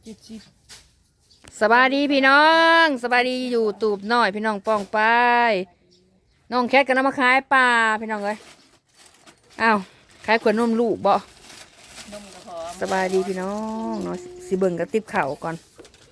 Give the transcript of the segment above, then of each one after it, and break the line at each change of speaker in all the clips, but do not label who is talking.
สบายดีพี่น้องสบายดีอยู่ตูบหน่อยพี่น้องป้องไปน้องแคทก็นำมาขายปลาพี่น้องเลยอ้าวขายขวดนมลูกบ่สบายดีพี่น้องเนาะสิเบิ่งกระติบเข่าก่อน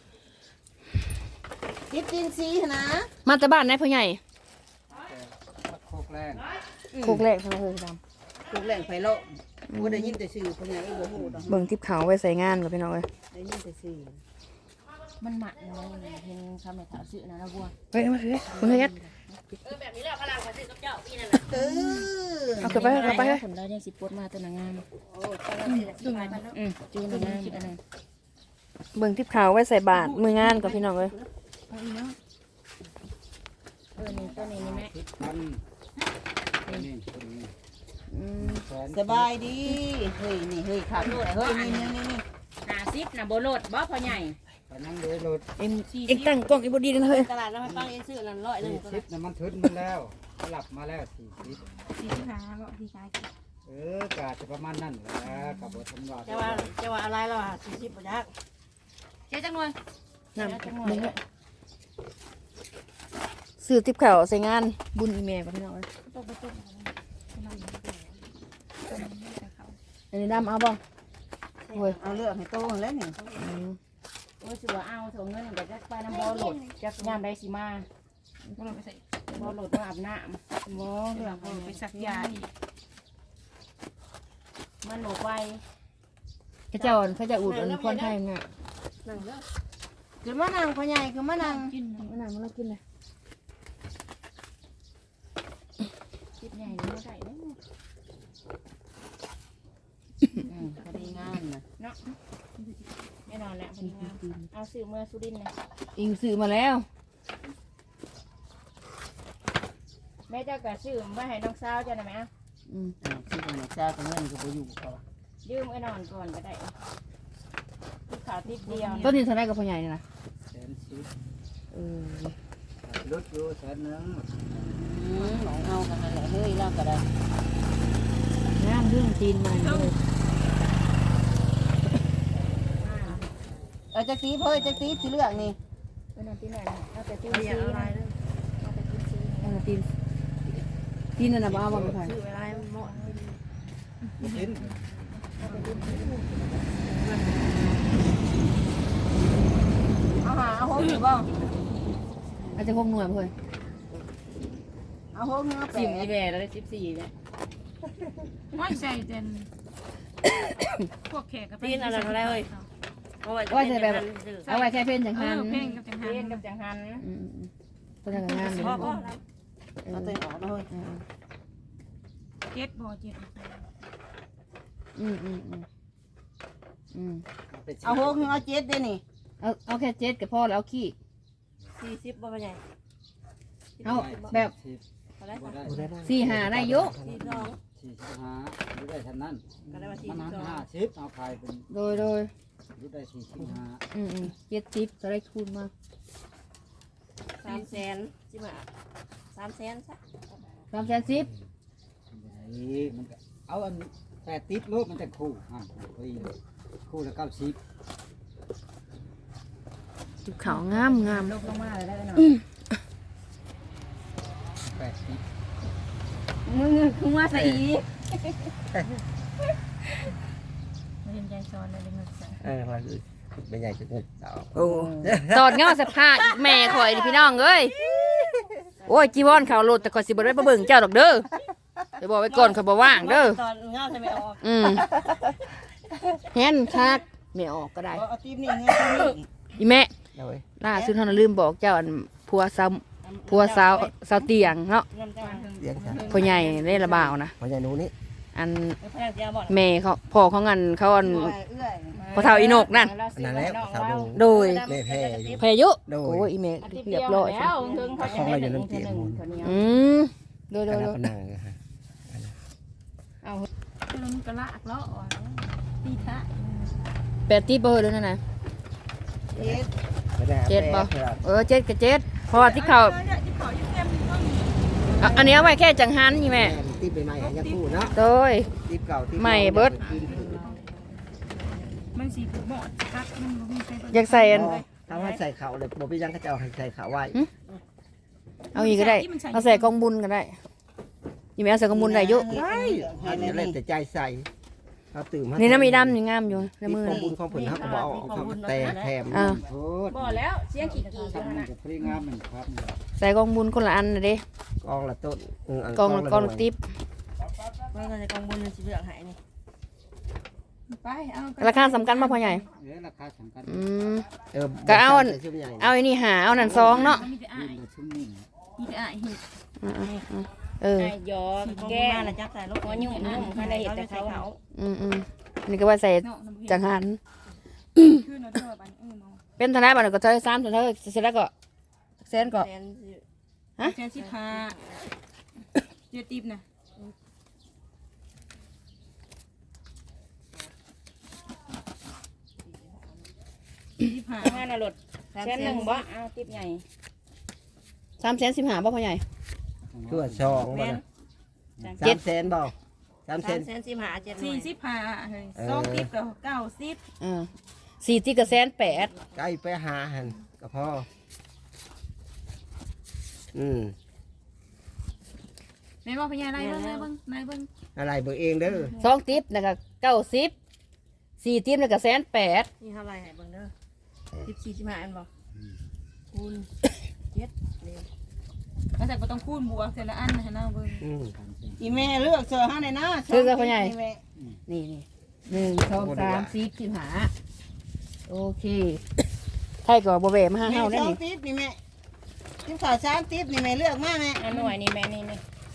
ติบจีนซีนะ
มาแต่บ้านไหนพ่อใหญ่
โคกแรง
โคกแรกทำไมเฮ้ยดำ
ถูกแหล่งไฟโลกว่าได้ยินแต่ชื่อพญาไอ้โบหูดอก
เบิ่งติบเข่าไว้ใส่งานกับพี่น้องเลย
ได้ยินแต่ชื่อ
มันหมัดเลยเห็นคำในถามสื่อนะนะบัว
เฮ้ยมาเฮ้ยมึงเฮ็ด
แบบนี้แหละพลังมาสื่อกับเจ้าพี่นั่นแหละ
เอาเก็บไปเก็บไปเฮ้ย
ผลได้เนี่ยสิปดมาตัวนางงาม
โอ้ตอนนี้จูงมัน
จูนางงามอันนั้น
เบิ่งติบเข่าไว้ใส่บาตรมืองานกับพี่น้องเลย
นี่ตัวนี้นี่แม่
ทิศพันนี่คนนี้แสน
สบายดีเฮ้ยนี่เฮ้ยขาดด้วยเฮ้ยนี่
50นะโบโลดบ่พ่อใหญ่
ไปนั่งเลยรถ
เอ็งตั้งกล้องอีบดีนะเฮ้ย
ตลาดน้ำมันปังเอ็นซื้อนั่น100นึง
40น้ำมันทึนมาแล้วหลับมาแล้ว40กาจะประมาณนั้นแหละกับบททำวา
จะว่าอะไรล่ะ40บ่ยักเจ๊จังหน่วย
น้ำมึงเลยซื้อติบเข่าใส่งานบุญอีเมลกับพี่น้องเลยอันนี้ดำเอาบ่โอ้ย
เอาเลือกให้โตแล้วนี่
โอ้ยสิว่าเอาส่งเงินก็จะไปน้ำบ่อโหลดจักยามใดสิมาบ่โหลดมาอาบน้ำบ่เรื่องไปสักยาอีกมันหนูไป
เขาเจ้าเขาจะอุดอันนี้คนไทยน่ะ
คือมะนางพ่อใหญ่คือมะนาง
มันน่ะมันน่ากินเลย
คิดใหญ่นี่บ่ได้เด้อ
พอดีงานนะ
เนาะแน่นอนแหละพอดีงามเอาซื้อเมื่อสุรินทร์นะ
อิงซื้อมาแล้ว
แม่เจ้าก็ซื้อมาให้น้องสาวเจ้าได้ไหมอ่ะ
ชื่อของเจ้ากับเงินก็ไปอยู่เขา
ยืมไอ้นอนก่อนก็ได้ที่ขาติดเดียว
ต้นนี้เท่าไรกับพ่อใหญ่นี่นะ
110
เออ
รถอยู่แสนนึง
หนองเอากันนั่นแหละเฮ้ยเล่าก็ได้
งามเรื่องจีนมาเลย
เอาจักรีเพิ่นจักรีสีเหลืองนี่
ไอ้นอนที่ไหนเอาแต่จิ้มซีนะเอาแต่จิ้มซี
เออจีนจีนนั่นน่ะบ้าบ่ไม่ใช่
ซื้อเวลาหมด
บ่กิน
เอาโฮมอยู่บ่
อาจจะคงหน่วยเพื่อน
เอาโฮมเนื้อแปะ
10อีแม่แล้วได้14แล้ว
ไม่ใช่เจนพวกแขกกับ
ตีนอะไรอะไรเอ้ยเอาไว้
ว่าจะแบบเอาไว้แค่เพ่นจังหัน
เพ่งกับจังหั
เรียน
น
กับจังหัน
ต้นนั้นก็งามเลย
เอาตัวออกนะเฮ้ย
เจ็ดบ่เจ็ด
อืมอืมอืมอืม
เอาโฮมเอาเจ็ดเด้นี่
เอาแค่เจ็ดกับพ่อแล้วเอาขี้
40บ่ใหญ่
เอาแบบ
บ่ได้
สี่หาได้อยุ
45อยู่ได้เท่านั้นมันนั้น50เอาขายเป็น
โดย
อยู่ได้45
70จะได้คูณมา
300,000สิมา300,000ซะ
310
มันก็เอาอันแต่ติดรถมันจะคู่พอดีเลยคู่ละ90
จุกเขางามงาม
ลบลงมาเลยได้หน่อย
80
มึงคือว่าใส่อีไม่เห็นใจซ้อนเลยเงินใส่
พอไม่ใหญ่จะเงินต่อ
โอ้ตอดเงาสภาพแม่ข่อยนี่พี่น้องเอ้ยโอ้ยจีวรเขาโลดแต่ข่อยสิบ่ได้ไปเบิ่งเจ้าดอกเด้อเดี๋ยวบอกไว้ก่อนข่อยบ่ว่างเด้อ
ตอนเงาใช่ไหมออก
แฮนคักไม่ออกก็ได้
เอาตีมนี่เงี้ยตีมนี่
อีแม่
เอาไว้
ล่าสุดเฮาน่ะลืมบอกเจ้าอันผัวสาวเตียงเนาะ
น้ำจัง
เลี้ยงค่ะ
พ่อใหญ่เล่นระบ่าวนะ
พอใหญ่หนูนี่
อัน
ไม่พนักยาบอก
แม่เขาพ่อเขางันเขาอัน
เอื้อย
พอเท่าอีนกนั่น
นั่นแหละสาวดู
โดย
แม่แพ้อยู่
พายุ
โดย
โอ้ยอีเมลเรียบร้อย
แล้วถึงเขาจะได้หนึ่งเท่านึงเท่านี้
อืมโดย
กระดับนังค่ะ
ลุงกระลากล้อตีทะ
แปดตีเบอร์เลยนะนะ
เจ็ด
เจ็ดบ่เจ็ดกับเจ็ดเพราะว่าที่เขาอันนี้เอาไว้แค่จังหันนี่แม่
ตีไปใหม่ยังคู่เนาะ
โดย
ตีเก่าตี
ใหม่เบิด
มันสีผูกหมอดคักมันบ่มีใคร
อยากใส่อัน
ถ้าว่าใส่เขาเลยบ่พี่ยังก็จะเอาให้ใส่เขาไว้
เอาอีกก็ได้เอาใส่กองบุญก็ได้ยี่แม่เอาใส่กองบุญได้อยุ
ได้อันนี้แล้วแต่ใจใส่เขาตื่นมา
นี่น้ำมีดำยังงามอยู่ในมือ
ของบุญของผลเขาก็บอกเขาแต่แถม
อ่า
โทษ
บ่แล้วเสียงกี่อยู่
ทำ
นั่น
มัน
น่ะ
จะพริ้งามมันครับ
ใส่กองบุญคนละอันนะเด้
กองละต้น
กองกองติ๊บ
เมื่อจะกองบุญมันสิเลือกหายนี่
ไปเอา
ราคาสำคัญมากพ่อใหญ่
ราคาสำคัญ
อืม
ก็เอา
เอาไอ้นี่หาเอานั่นซองเนาะ
มีแต่อ้า
ยื
ย
นชุ่มนิ่ม
มีแต่อ้ายเห็ด
เออ
ไอ้ยอแก้
มาละจักใส่ลูก
หัวยุ่งเขาได้เห็นแต่เขา
อืมนี่ก็ว่าใส่
เนาะน้ำเห็ด
จังหัน
คือเนาะเท่าบันเนาะ
เป็นธนาบัตรก็เท่า3เท่าเสร็จแล้วก็แสนก็
แทนสิ
แค่15เจ็ดติ๊บนะ15
งานน่ะรถแค่1บ่เอาติ๊บใหญ่
315บ่พ่อใหญ่
ชั่วซองบ่นะ300,000บ่300,000
345 7
45เฮ้ย2ติ๊บกับ90
4ที่ก็1,800,000
ใกล้ไปหาหันก็พอ
แม่บอกพญาไล่เบิ่งเลยเบิ่งนายเบิ่ง
อะไรเบิกเองเด้อ
2ติ๊บแล้วก็90 4ติ๊บแล้วก็1,800,000
นี่เท่าไหร่ให้เบิ่งเด้อ14 15อันบ่คูณ7เลย
แล้วแต่ก็ต้องคูณบวกแต่ละอันนะให้น้าเบิ่ง
อีแม่เลือกเสื้อให้ในหน้า
นี่1 2 3 4 15โอเคไทยก็บ่แหวมาหาเฮาได้
2
นี่
ติ๊บนี่แม่ติ๊บขาว3ติ๊บนี่แม่เลือกมาแม่
อันหน่วยนี่แม่นี่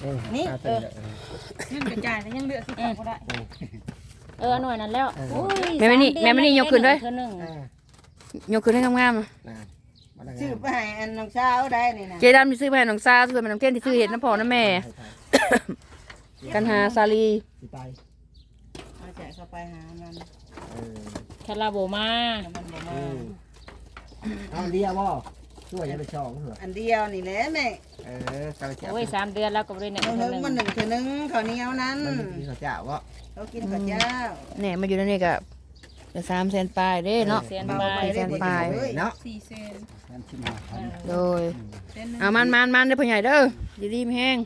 เงินกระจายแล้วยังเหลือสิบก็ได้
หน่วยนั้นแล้ว
แม่ไม่นี่ยกขึ้นด้วย
เธอหนึ่ง
ยกขึ้นให้งามๆ
ชื่อไปให้อันน้องสาวได้นี่นะ
เจดำที่ซื้อไปให้น้องซาซื้อไปน้องเต้นที่ซื้อเห็ดน้ำพอน้ำแม่ กันหาซาลี
ไป
เอาแจกเข้าไปหามัน
คาราโบมา
มันบ่มา
เอาเดียวบ่ช่วยยังไปช่องเหรอ
อันเดียวนี่แหละแม่
กำลังจะ
โอ้ย3 เดือนแล้วก็บ่ได้เนี่ย
เอา
เธ
เฮิ
อง หนึ่ง
มัน1 เทื่อนึงข้าวเหนียวนั้น
มันมีข้าวเจ้าบ่
เขากินข้าวเจ้า
เนี่ยมาอยู่ในนี่ก็จะ300,000ปลายเด้เนาะ
เสียน
เบา
ไป
ไปได้
ปลาย
เนาะ
4 เซน
แทนชิมหาพัน
โดย
เซนนึง
เอามันเด้อพ่อใหญ่เด้ออย่ารีบแห้ง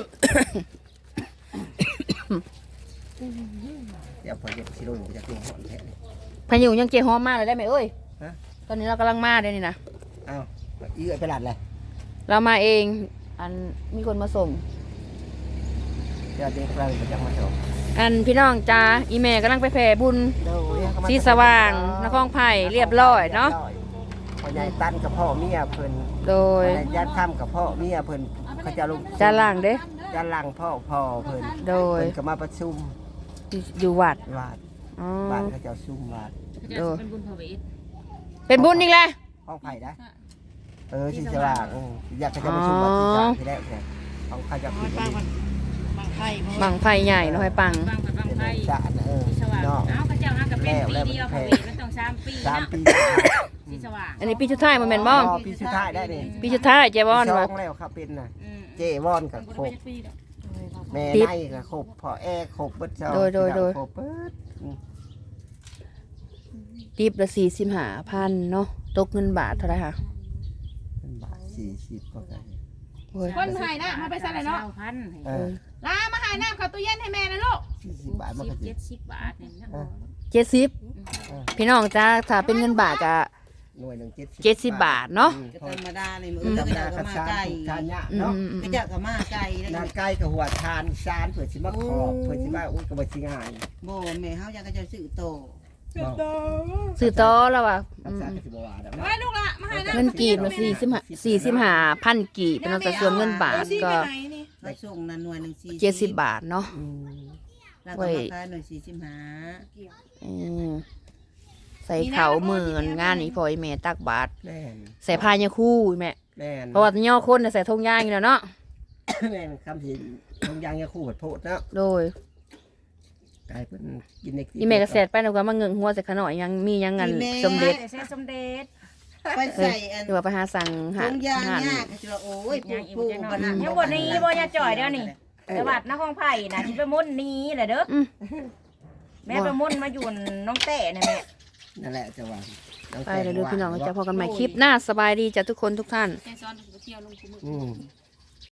เดี๋ยวพอเย็บสิลงจะกินหอนแท้
พายุยังเจหอมมากเลยได้ไหมเอ้ย
ฮะ
ตอนนี้เรากำลังมาเด้นี่นะ
เอาอีเอ้ยไปหลัดเลย
เรามาเองอันมีคนมาส่ง
เดี๋ยวเด็กเราจะมาส่ง
อันพี่น้องจ้าอีแม่กำลังไปแผ่บุญสีสว่างนครไผ่เรียบร้อยเนาะ
พ่อใหญ่ตั้นกับพ่อเมียเพิ่น
โดย
พ่อใหญ่ยัดค่ำกับพ่อเมียเพิ่นเขาจะลง
จานล่างเด้
จานล่างพ่อเพิ่น
โดย
เพิ่นก็มาประชุม
อยู่วัด
วาด
อ๋อ
บ้านเขาจะซุ่มวาด
โดย
เป็นบุญพระเวท
เป็นบุญอีกแล้ว
ห้องไผ่ได้สีสว่างอยากเขาจะประชุมวัดสีสว่างที่แรกเนี่ยของเขาจะปิด
บางไผ่บ่
บังไผ่ใหญ่เนาะให้ปัง
บางกับบางไทย
จะ
ที่สว่าง
เนาะ
เอ้าพระเจ้าฮะกับเป็นปีเดียวพระเวทมันต้อง3 ปี
3
เนาะ
ปี
ที่สว่าง
อันนี้ปีชุดท้ายมาแม่นบ่
ปีสุดท้ายได้นี่
ปีชุดท้ายเจวอน
สอ
ว่ะ
งแล้วครับเป็นน่ะ
อืม
เจวอนกับโคบแม่
ติ๊บ
ไนกับโคบพ่อแอโคบเบิดเจ้า
โดย
โคบเบิด
ติบละ45,000เนาะตกเงินบาทเท่าไหร่คะ
เป็นบาท40ก็ได้
โอ้ย
คนหายน้ำมาไปใส่เลยเนาะ
เออ
ลามาหายน้ำเข้าตู้เย็นให้แม่นะลูก
40 บาทมันก็สิ
70 บาทเนี่ยนะ
70พี่น้องจ้าถ้าเป็นเงินบาทก็
หน่วยหนึง
70
70
บาทเนาะ
ก็ธรรมดาเลยมื้
อื
อ
ม
ก็
ธรรม
จะ
ดา
ก็
คัด
มา
ซาน
ไก่
ทานยะ
อื
เนาะ
ม
ก็จะก็มาไก่ได้
นานไก่กับหัวทานซานเผื่อสิมาขอบเผื่อสิมาอุ้ยก็บ่สิง่าย
บ่แม่เฮาอยากก็จะซื้อโต
ซื้อต่อแล้วว่ะ
คัดซานก็สิบ่ว่าดอก
ไว้ลูกละมาหายน้ำ
เงินกีบมา45,000กีบเป็นแต่ส่วนเงินบาทก็
ไปส่งนั่นหน่วยหนึง40
70 บาทเนาะ
แล้วก็มาขายหน่วย45
อืมใส่เขาวมือนงานนี้พอไอแม่ตักบาท
แม่น
ใส่พายาคู่แม่
แม่น
เพราะว่าย่อคนน่ะใส่ธงยางอยู่แล้วเนาะ
แม่นคำสิทงยางยาคู่โพดเนาะ
โดย
กลายเป็นกินใน
อีแม่ก็แสดไปแล้วก็มาเงิงหัวใส่ขน่อยยังมียังงันสมเด็จ
แต่ใช้สมเด็จ
ไปใส่อัน
หรือว่าไปหาสั่งหา
ถุงยาง
หา
ยากก็สิว่าโอ้ยปูกันนั่น
ยังบ่นี้บ่ยาจ่อยเด้อนี่แต่วัดนครไผ่น่ะสิไปมุ่นนี้แหละเด้อแม่ไปมุ่นมาอยู่น้องแต่น่ะแม่
นั่นแหละจะว่า
ไปเลยเด้อพี่น้องจะพอกันใหม่คลิปหน้าสบายดีจ้ะทุกคนทุกท่าน
แกซ้อนไปเที่ยวลงคุมือ
อืม